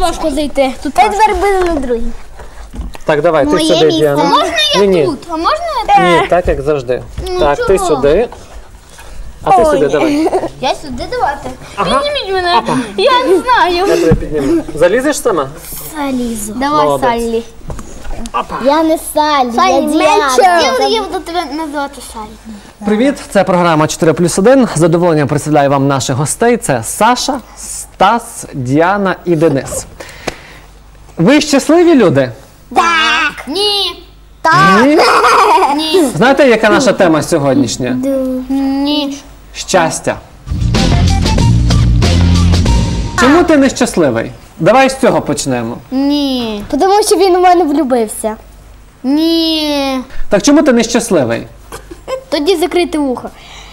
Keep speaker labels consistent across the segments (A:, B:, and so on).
A: важко зайти. Тут
B: Тепер буде на другий.
C: Так, давай, ти сюди, Діана.
A: Можна я тут? А можна я тут?
C: Ні, так як завжди. Так, ти сюди. А ти сюди, давай.
A: Я сюди давати. Підніміть мене. Я не знаю.
C: Я тебе підніму. Залізеш сама?
B: Залізу.
A: Давай,
C: Молодець.
A: Саллі.
B: Я не Саллі, я Діана.
A: Я буду тебе називати Саллі.
C: Привіт, це програма 4+1. З задоволенням представляю вам наших гостей. Це Саша, Стас, Діана і Денис. Ви щасливі люди?
A: Так. Ні.
C: Ні?
A: Ні.
C: Знаєте, яка наша тема сьогоднішня?
A: Ні.
C: Щастя. Чому ти нещасливий? Давай з цього почнемо.
A: Ні.
B: Тому що він у мене влюбився.
A: Ні.
C: Так чому ти нещасливий?
A: Тоді закрити вухо.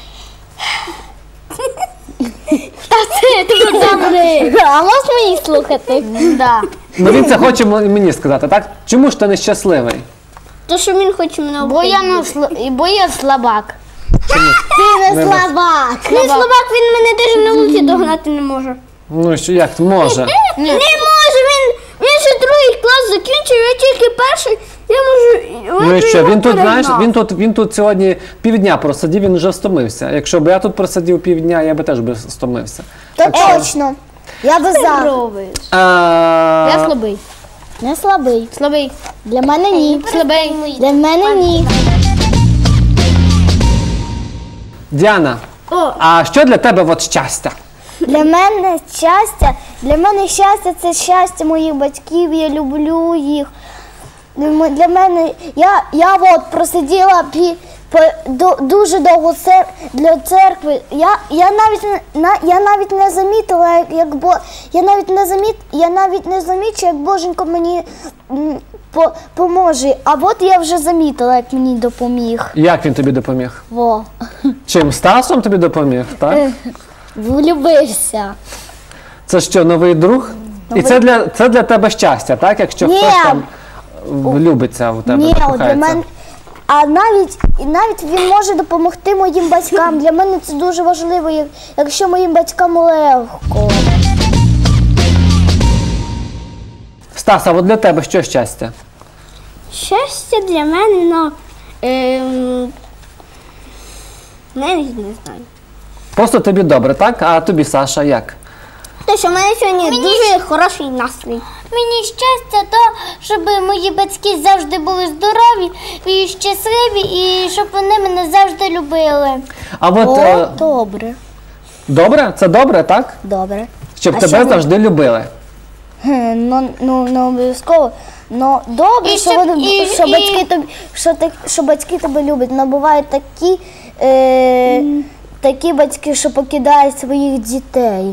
A: Та це ти добре.
B: А можеш мені слухати?
A: Да.
C: Ну він це хоче мені сказати, так? Чому ж ти нещасливий?
B: То, що він хоче мене
A: Бо я слабак.
B: Ти не слабак.
A: Він слабак, він мене теж на вулиці догнати не може.
C: Ну що, як може?
A: Не може, він ще другий клас закінчив, я тільки перший. Я можу.
C: Ну і що, він тут, знаєш, він тут сьогодні півдня просидів, він вже стомився. Якщо б я тут просидів півдня, я би теж би стомився.
B: То точно. Я би за.
A: Я слабий.
B: Не слабий.
A: Слабий.
B: Для мене ні.
A: Слабий.
B: Для мене ні.
C: Діана, а що для тебе от щастя?
B: Для мене щастя це щастя моїх батьків, я люблю їх. Для мене, я от просиділа дуже довго для церкви. Я навіть не замітила, я навіть не замічу, як Боженько мені поможе. А от я вже замітила, як мені допоміг.
C: Як він тобі допоміг?
B: Во.
C: Чим? Стасом тобі допоміг, так?
B: Влюбився.
C: Це що, новий друг? І це для тебе щастя, так? Якщо
B: Ні.
C: хтось там влюбиться в тебе,
B: Ні, для
C: закохається.
B: мене. А навіть він може допомогти моїм батькам. Для мене це дуже важливо, якщо моїм батькам легко.
C: Стас, а от для тебе що щастя?
A: Щастя для мене, навіть не знаю.
C: Просто тобі добре, так? А тобі, Саша, як?
A: Те, що в мене сьогодні дуже хороший настрій. Мені щастя, щоб мої батьки завжди були здорові і щасливі, і щоб вони мене завжди любили.
C: А от,
B: Добре.
C: добре? Це добре, так?
B: Добре.
C: Щоб
B: А
C: тебе
B: що ви-
C: завжди любили.
B: Ну, не обов'язково. Ну, добре,
A: І
B: що,
A: щоб-
B: вони,
A: і-
B: що,
A: і-
B: батьки тобі, що батьки тебе люблять. Но бувають такі батьки, що покидають своїх дітей.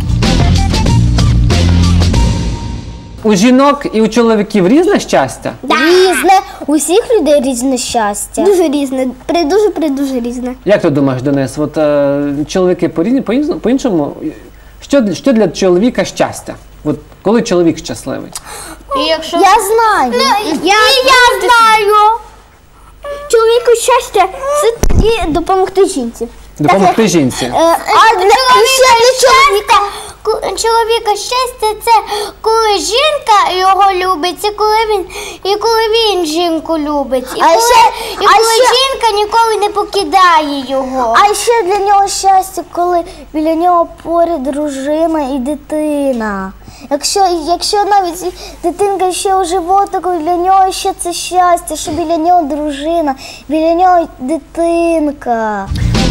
C: У жінок і у чоловіків різне щастя?
B: Різне. У всіх людей різне щастя.
A: Дуже різне, дуже різне.
C: Як ти думаєш, Денис, от чоловіки по-іншому, що для чоловіка щастя? От коли чоловік щасливий?
A: І якщо...
B: Я знаю.
A: Я знаю. Чоловіку щастя – це тоді допомогти жінці.
C: Допомогти жінці.
B: А для чоловіка.
A: Чоловіка щастя – це коли жінка його любить, і коли він жінку любить. І коли жінка ніколи не покидає його.
B: А ще для нього щастя, коли біля нього поряд дружина і дитина. Якщо навіть дитинка ще у животику, для нього ще це щастя, що біля нього дружина, біля нього дитинка.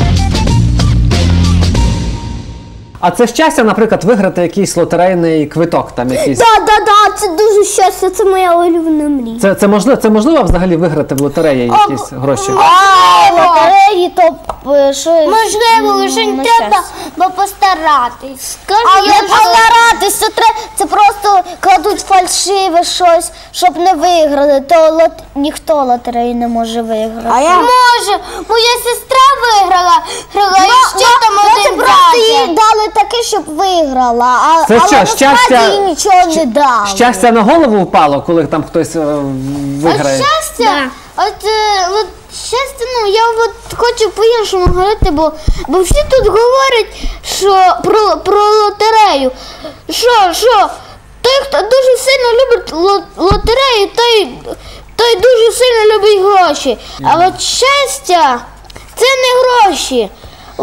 C: А це щастя, наприклад, виграти якийсь лотерейний квиток, там якийсь.
A: Да, це дуже щастя, це моя улюблена мрія.
C: Це можливо взагалі виграти в лотереї якісь гроші?
B: А лотереї, то що?
A: Можливо, лише треба постаратись.
B: Але постаратися, це просто кладуть фальшиве щось, щоб не виграли, то ніхто лотереї не може виграти.
A: Може, моя сестра виграла, і ще там
B: Це
A: один
B: просто їй
A: зятя.
B: дали таке, щоб виграла,
C: Це
B: але
C: що,
B: насправді їй нічого не дали.
C: Щастя на голову впало, коли там хтось виграє?
A: Щастя, щастя, я хочу по-іншому говорити, бо всі тут говорять, що про лотерею. Що? То хто дуже сильно любить лотерею, той дуже сильно любить гроші. А от щастя це не гроші.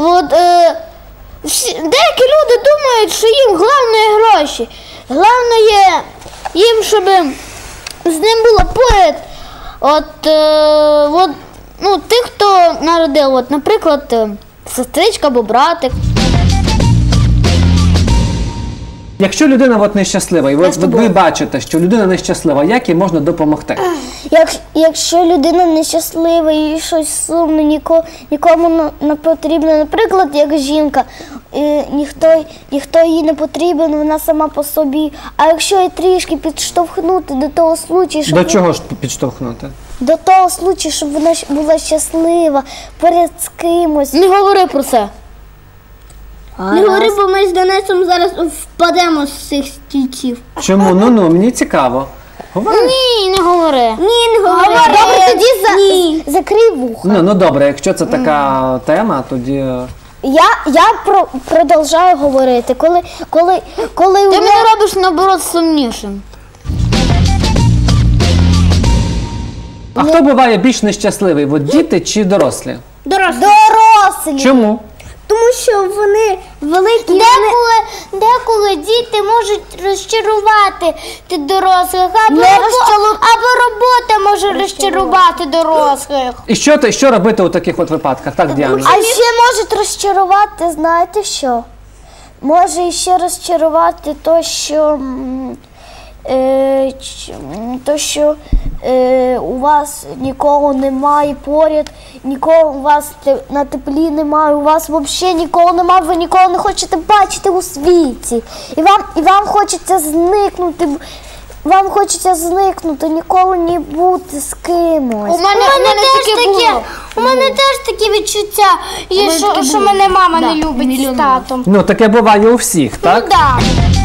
A: Деякі люди думають, що їм головне гроші. Головне їм, щоб з ним було поряд. Тих, хто народив, наприклад, сестричка або братик.
C: Якщо людина нещаслива, і ви бачите, що людина нещаслива, як їй можна допомогти?
B: Якщо людина нещаслива і щось сумне, нікому не потрібно, наприклад, як жінка, ніхто їй не потрібен, вона сама по собі. А якщо її трішки підштовхнути до того случаю, щоб...
C: До чого ж підштовхнути?
B: До того случаю, щоб вона була щаслива, поряд з кимось.
A: Не говори про це. Не говори, бо ми з Денисом зараз впадемо з цих стільців.
C: Чому? Мені цікаво. Говори.
A: Ні, не говори.
B: Ні, не говори. Добре, тоді закрий вуха.
C: Ну добре, якщо це така тема, тоді...
B: Я продовжую говорити. Коли
A: Ти мене робиш, наоборот, сумнішим.
C: А хто буває більш нещасливий? Діти чи дорослі?
B: Дорослі.
C: Чому?
B: Тому що вони великі.
A: Деколи діти можуть розчарувати дорослих, або робота може розчарувати дорослих.
C: І що робити у таких випадках? Так, Діана?
B: А ще можуть розчарувати, знаєте що? Може ще розчарувати у вас нікого немає поряд, нікого у вас на теплі немає, у вас взагалі нікого немає, ви нікого не хочете бачити у світі. І вам хочеться зникнути. Вам хочеться зникнути, ніколи не бути з кимось.
A: У мене теж такі відчуття, що мене мама не любить з татом.
C: Таке буває у всіх, так?
A: Ну так.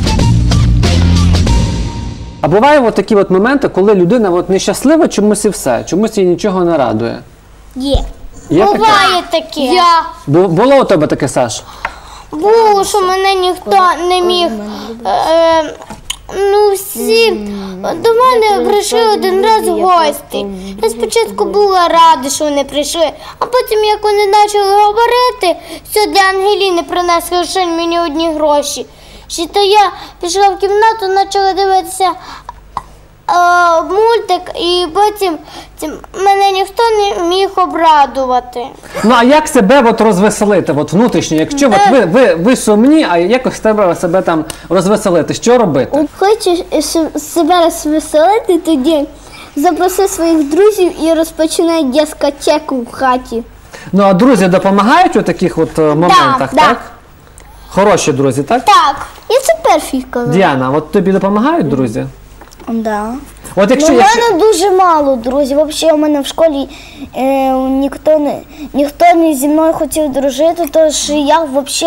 C: А буває такі моменти, коли людина нещаслива чомусь і все, чомусь їй нічого не радує.
B: Є.
C: Є таке?
A: Буває таке.
C: Було у тебе таке, Саш?
A: Було, що мене ніхто не міг. Всі до мене прийшли один раз гості. Я спочатку була рада, що вони прийшли, а потім, як вони почали говорити, що для Ангеліни принесли лише мені одні гроші. То я пішла в кімнату, почала дивитися мультик, і потім мене ніхто не міг обрадувати.
C: А як себе розвеселити, внутрішньо, якщо ви сумні, а якось треба себе там розвеселити, що робити?
B: Хочеш себе розвеселити, тоді запроси своїх друзів і розпочинай дискотеку в хаті.
C: А друзі допомагають у таких моментах, так? Хороші друзі, так?
A: Так.
B: Я це перший казав.
C: Діана, тобі допомагають друзі?
B: Да.
C: У мене
B: дуже мало друзів. Взагалі, у мене в школі ніхто не зі мною хотів дружити, тож я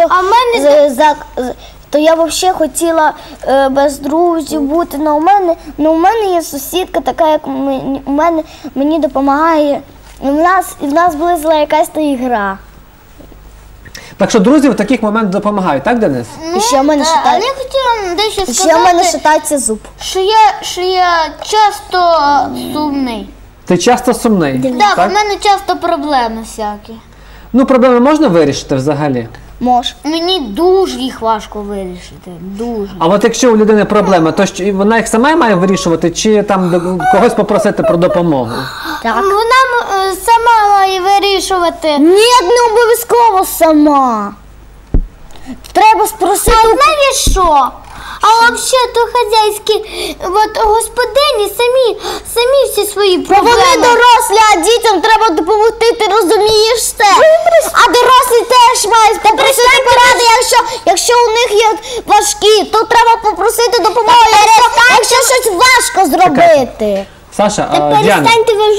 B: взагалі хотіла без друзів бути. У мене є сусідка, така як мені допомагає. В нас була якась ігра.
C: Так що друзі в таких моментах допомагають, так, Денис?
B: І ще в мене
A: Але я хотіла дещо сказати,
B: ще в мене шатається зуб.
A: Що я часто сумний.
C: Ти часто сумний?
A: Так, у мене часто проблеми всякі.
C: Проблеми можна вирішити взагалі?
B: Може.
A: Мені дуже їх важко вирішити. Дуже.
C: А якщо у людини проблеми, то вона їх сама має вирішувати, чи там когось попросити про допомогу?
B: Так.
A: Вона сама має вирішувати.
B: Ні, не обов'язково сама. Треба спросити.
A: А знаєш що? А взагалі-то хазяйські господині самі всі свої проблеми.
B: Вони дорослі, а дітям треба допомогти, ти розумієш це? А дорослі теж мають попросити поради, якщо у них є важкі, то треба попросити допомогу, якщо щось важко зробити.
C: Саша, Діана,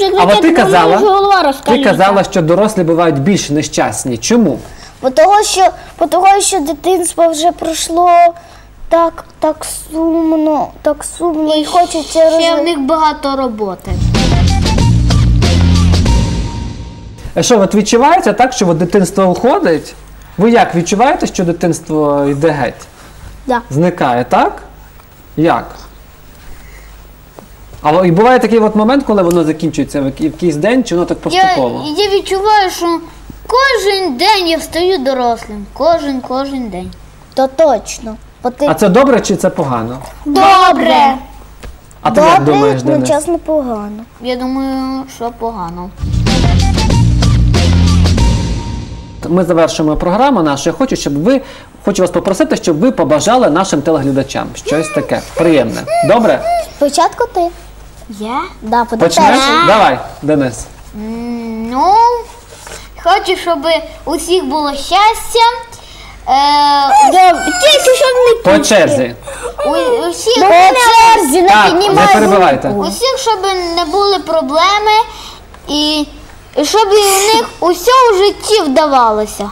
C: ти казала, що дорослі бувають більш нещасні. Чому?
B: Того, що дитинство вже пройшло так сумно, і хочеться
A: ще в них багато роботи.
C: А що, відчувається так, що дитинство уходить? Ви як, відчуваєте, що дитинство йде геть?
B: Да.
C: Зникає, так? Як? Але і буває такий от момент, коли воно закінчується в якийсь день, чи воно так поступово?
A: Я відчуваю, що кожен день я стаю дорослим. Кожен день.
B: То точно. Бо ти
C: А це добре чи це погано?
A: Добре.
C: А ти як
B: добре,
C: думаєш, Денис?
B: одночасно погано.
A: Я думаю, що погано.
C: Ми завершуємо програму нашу. Хочу вас попросити, щоб ви побажали нашим телеглядачам щось таке приємне. Добре?
B: Спочатку ти.
A: Я?
B: Да,
C: Почнеш?
B: перший.
C: Давай, Денис.
A: Ну, хочу, щоб у всіх було щастя. Тільки щоб
C: По черзі.
A: у всіх,
B: По черзі, не
C: Так, не
B: піднімай.
C: перебивайте.
A: у всіх, щоб не були проблеми і щоб у них усе в житті вдалося.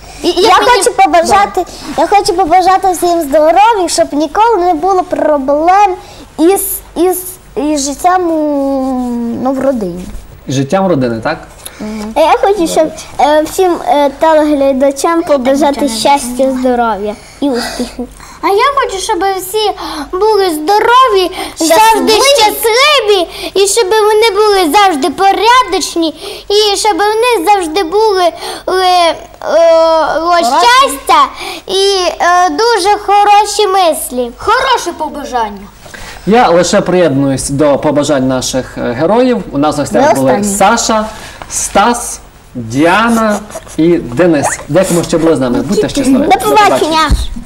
B: Я хочу побажати всім здоров'я, щоб ніколи не було проблем із життям в родині.
C: Життям родини, так?
B: Я хочу, щоб всім телеглядачам побажати щастя, здоров'я і успіхів.
A: А я хочу, щоб всі були здорові, завжди щасливі, і щоб вони були завжди порядочні, і щоб вони завжди були щастя і дуже хороші мислі. Хороше побажання.
C: Я лише приєднуюсь до побажань наших героїв. У нас в гостях були
B: останні.
C: Саша, Стас, Діана і Денис. Дякуємо, що були з нами. Будьте щасливі.
B: До побачення!